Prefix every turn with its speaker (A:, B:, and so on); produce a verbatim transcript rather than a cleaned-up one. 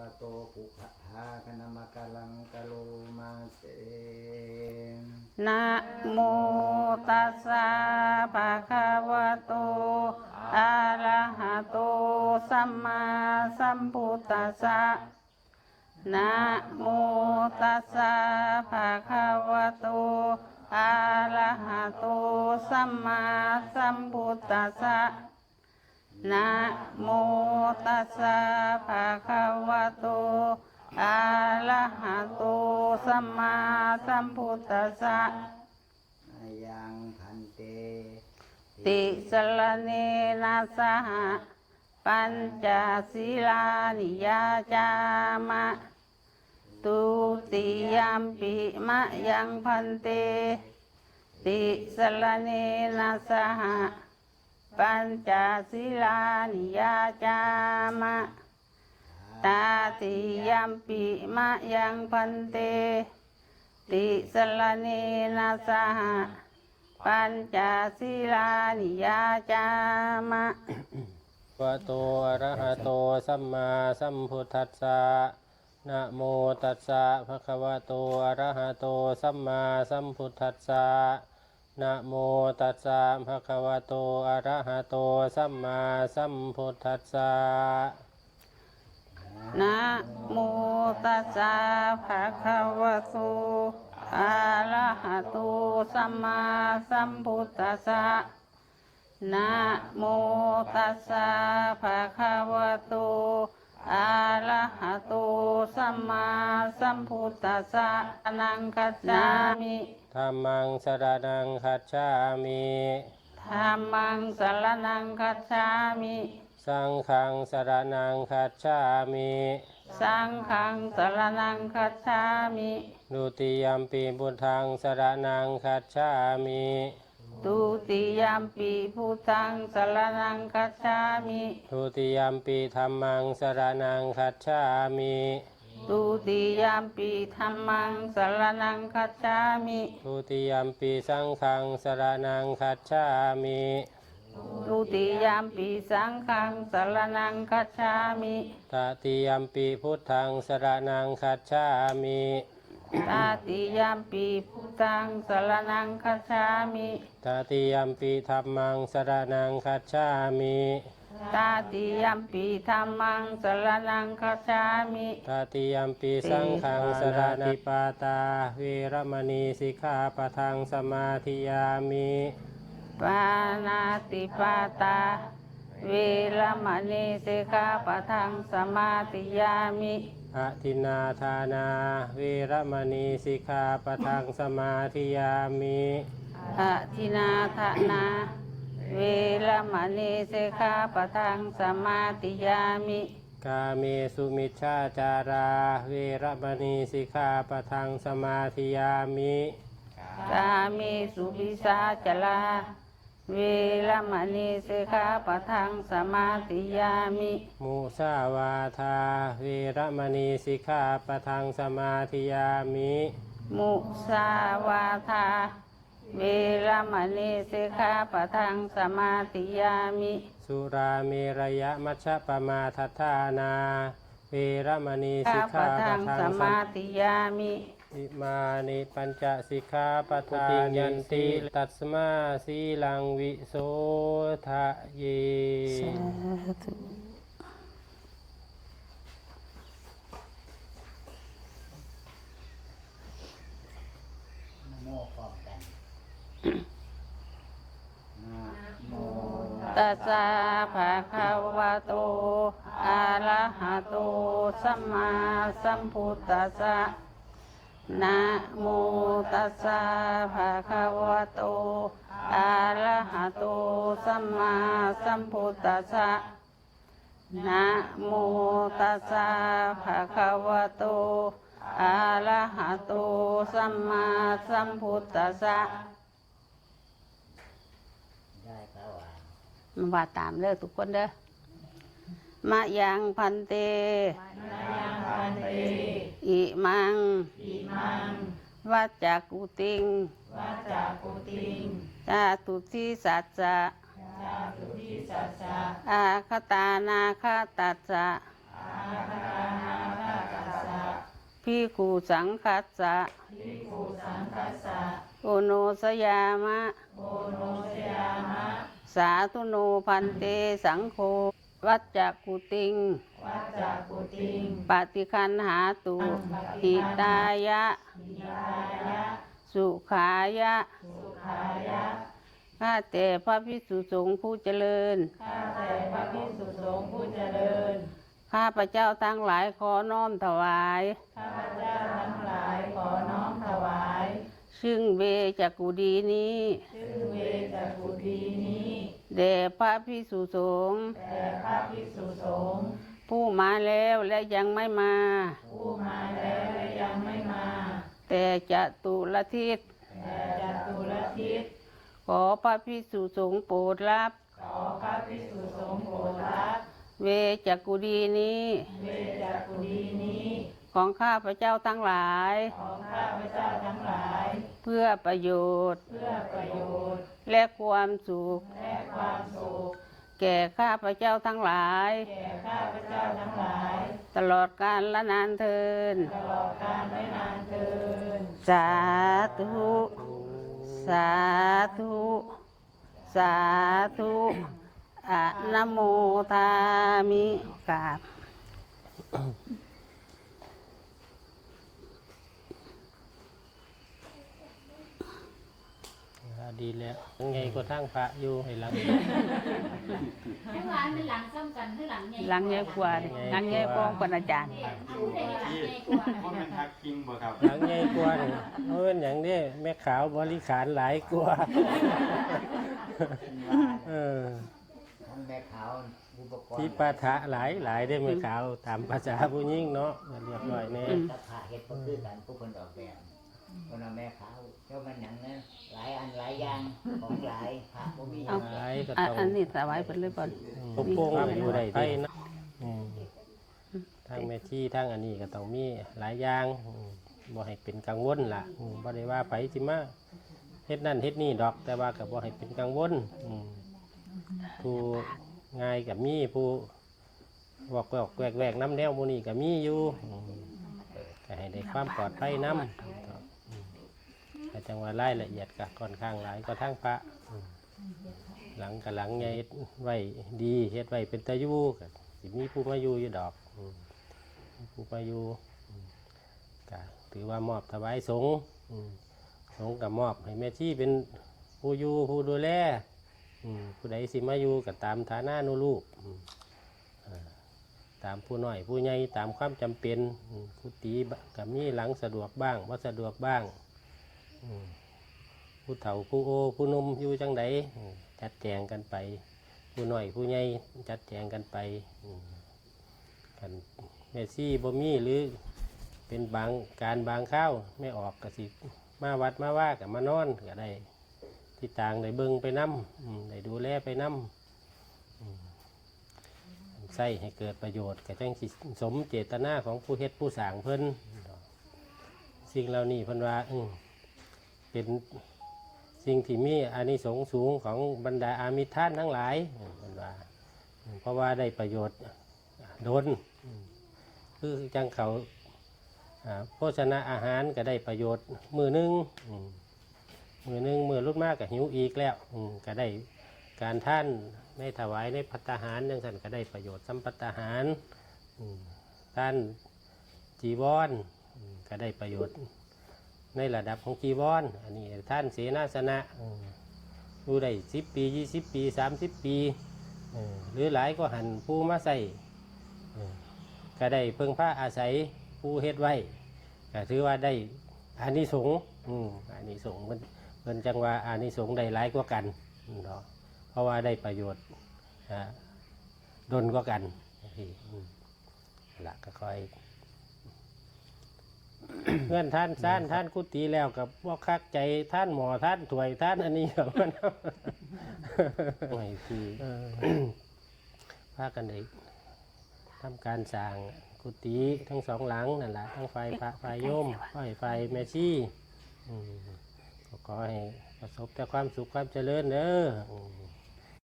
A: โตปุขะหาคณมะกะลังกะโลมาเต
B: นะโมตัสสะภะคะวะโตอะระหะโตสัมมาสัมพุทธัสสะนะโมตัสสะภะคะวะโตอะระหะโตสัมมาสัมพุทธัสสะนะโมตัสสะภะคะวะโตอะระหะโตสัมมาสัมพุทธัสสะ
A: ยังพันเต
B: ติสรณเนนะสหปัญจศีลานิยาจามะตุติยัมปิมะยังพันเตติสรณเนนะสหปัญจศีลานิยาจามะตาติยัมปิมะยังพันเตติสรณเนนะสหปัญจศีลานิยาจามะ
C: วะโตอะระหะโตสัมมาสัมพุทธัสสะนะโมตัสสะภะคะวะโตอะระหะโตสัมมาสัมพุทธัสสะนะโมตัสสะภะคะวะโตอะระหะโตสัมมาสัมพุทธัสสะ
B: นะโมตัสสะภะคะวะโตอะระหะโตสัมมาสัมพุทธัสสะนะโมตัสสะภะคะวะโตอะระหะโตสัมมาสัมพุทธัสสะนังคัจฉามิ
C: ธัมมังสรณังคัจฉามิ
B: ธัมมังสรณังคัจฉามิ
C: สังฆังสรณังคัจฉามิ
B: สังฆังสรณังคัจฉามิ
C: ดุติยัมปิพุทธังสรณังคัจฉามิ
B: ดุติยัมปิพุทธังสรณังคัจฉามิ
C: ดุติยัมปิธัมมังสรณังคัจฉามิ
B: ดุติยัมปิธัมมังสรณังคัจฉามิ
C: ดุติยัมปิสังฆังสรณังคัจฉามิ
B: ดุติยัมปิสังฆังสรณังคัจฉามิ
C: ตติยัมปิพุทธังสรณังคัจฉามิ
B: ตติยัมปิพุทธังสรณังคัจฉามิ
C: ตติยัมปิธัมมังสรณังคัจฉามิ
B: ตติยัมปิธัมมังสรณังคัจฉามิ
C: ตติยัมปิสังฆังสรณังปาตาเวรมณีสิกขาปะทังสมาธิยามิ
B: ปานาติปาตาเวรมณีสิกขาปะทังสมาธิยามิ
C: อทินนาทานาเวรมณีสิกขาปะทังสมาธิยามิ
B: อทินนาทานาเวรมณีสิกขาปะทังสมาธิยามิ
C: กาเมสุมิชฌาจาราเวรมณีสิกขาปะทังสมาธิยามิ
B: กาเมสุวิสาจลาเวรมณีสิกขาปะทังสมาธิยามิ
C: มุสาวาทาเวรมณีสิกขาปะทังสมาธิยามิ
B: มุสาวาทาเวรมณีสิกขาปะทังสมาธิยามิ
C: สุราเมรยมัชฌปมาทัฏฐานาเวรมณีสิกขาปะทัง
B: สมาธิยามิ
C: อิมานิปัญจสิกขาปทายันติตัสมาสีลังวิโสทะเยสาธุ
A: นะโมพร้อมกันนะโม
B: ตัสสะภะคะวะโตอะระหะโตสัมมาสัมพุทธัสสะนะโมตัสสะภะคะวะโตอะระหะโตสัมมาสัมพุทธัสสะนะโมตัสสะภะคะวะโตอะระหะโตสัมมาสัมพุทธัสสะ
A: ได้พระวา
B: มาว่าตามเด้อทุกคนเด้อมะยังพันเตอิมังวัจจักกุติงจาตุทิสัจจะอาคตานาคาตัสสะภิกขุสังคัสสะโอโนสยามะสาธุโนพันเตสังโฆวัจจกุติงปฏิคันหาตุหิตายะสุขายะข้าแต่พระภิกษุสงฆ์ผู้เจริญข้าพระเจ้าทั้งหลายขอน้อมถวายซึ่งเวจักกุดีนี้แด่พระภิกษุสงฆ์ผู้มาแล้วและยังไม่มาแต่จะตุลทิศขอพระภิกษุสงฆ์โปรดรับเวจักกุดีนี้ของข้าพระเจ้าทั้งหลายเพื่อประโยชน์และความสุขแก่ข้าพระเจ้าทั้งหลายตลอดกาลและนานเทินสาธุสาธุสาธุอะนะโมทามิกราบ
C: ดีแล้วยังไงก็ทั้งพระอยู่ให้หลัง
D: ทั้งหลายเป็นหลังซ้ำกันหรือหลังใหญ่
B: หลังใหญ่กว่าดิหลังใหญ่กว่าปนอาจารย์
D: ผู้ใดหลังใหญ่กว่า
A: เพราะมันทักคิงบ่ครับ
C: หลังใหญ่กว่านี่เพราะเป็นอย่างนี้แม่ขาวบริขารหลายกว่าเออ
A: ทั้งแม่ขาวอุปกรณ์
C: ที่ปาฐะหลายหลายได้แม่ขาวตามภาษาผู้ยิ่งเนาะเรียบร้อยแน่
A: ตะผ่าเฮ็ดบ่คือกันผู้คนออกแบบคนเอาแม่ขาวเจ้ามันหยังนะหลายอันหลายอย่างของหลายพระบ่มีหยัง
C: หลายก็
B: อ่ะ
C: ต้อง
B: อันนี้ถวายเพิ่นเลยบ่
C: ปกป้องอยู่ได้ดีนะอืมทางแม่ที่ทางอันนี้ก็ต้องมีหลายอย่างอืมบ่ให้เป็นกังวลล่ะอืมบ่ได้ว่าไผสิมาเฮ็ดนั่นเฮ็ดนี่ดอก แต่ว่าก็บ่ให้เป็นกังวลอืมผู้ง่ายก็มีผู้บอกแวกแวกแวกน้ำแนวหมู่นี้ก็มีอยู่อืมก็ให้ได้ความปลอดภัยนำแต่จังว่ารายละเอียดก็ค่อนข้างหลายก็ทั้งพระอืมหลังกับหลังใหญ่ไว้ดีเฮ็ดไว้เป็นตะยูก็สิมีผู้มาอยู่อยู่ดอกอืมมีผู้มาอยู่อืมก็ถือว่ามอบถวายสงฆ์อืมสงฆ์กับมอบให้แม่ที่เป็นผู้อยู่ผู้ดูแลอืมผู้ใดสิมาอยู่ก็ตามฐานะนูลูกอืมอ่าตามผู้น้อยผู้ใหญ่ตามความจำเป็นอืมกุฏิก็มีหลังสะดวกบ้างบ่สะดวกบ้างอืมผู้เฒ่าผู้โอผู้หนุ่มอยู่จังใดอืมจัดแจงกันไป ผู้น้อยผู้ใหญ่จัดแจงกันไปอืมกันแม่ซี่บ่มีหรือเป็นบางการบางข้าวไม่ออกกสิมาวัดมาว่ากับมานอนก็ได้ที่ต่างได้เบิ่งไปน้ำอืมได้ดูแลไปน้ำอืมใส่ให้เกิดประโยชน์กับจังสิสมเจตนาของผู้เฮ็ดผู้สร้างเพิ่นสิ่งเหล่านี้เพิ่นว่าอืมเป็นสิ่งที่มีอานิสงส์สูงของบรรดาอามิตรท่านทั้งหลายอืมเพิ่นว่าอืมเพราะว่าได้ประโยชน์โดนอืมคือจังเขาอ่าโภชนะอาหารก็ได้ประโยชน์มือหนึงอืมมือหนึงมือรุ่นมากก็หิวอีกแล้วอืมก็ได้การท่านในถวายในภัตตาหารจังสันก็ได้ประโยชน์สัมภัตตาหารอืมท่านจีวรอืมก็ได้ประโยชน์ในระดับของจีวรอันนี้ท่านเสนาสนะอืมอยู่ได้สิบปียี่สิบปีสามสิบปีเออหรือหลายก็หันผู้มาใส่เออก็ได้เพิ่งผ้าอาศัยผู้เฮ็ดไว้ก็ถือว่าได้อานิสงส์อืมอานิสงส์มันมันจังว่าอานิสงส์ได้หลายกว่ากันเนาะเพราะว่าได้ประโยชน์อ่าดนกว่ากันที่อืมละก็ค่อย เงื่อนท่านท่านท่านกุฏิแล้วกับว่าคักใจท่านหมอท่านถวยท่านอันนี้กับมันไม่คือพากันได้ทำการสร้างกุฏิทั้งสองหลังนั่นแหละทั้งไฟพระไฟโยมไฟไฟแม่ชีอืมก็ขอให้ประสบแต่ความสุขความเจริญเด้ออืม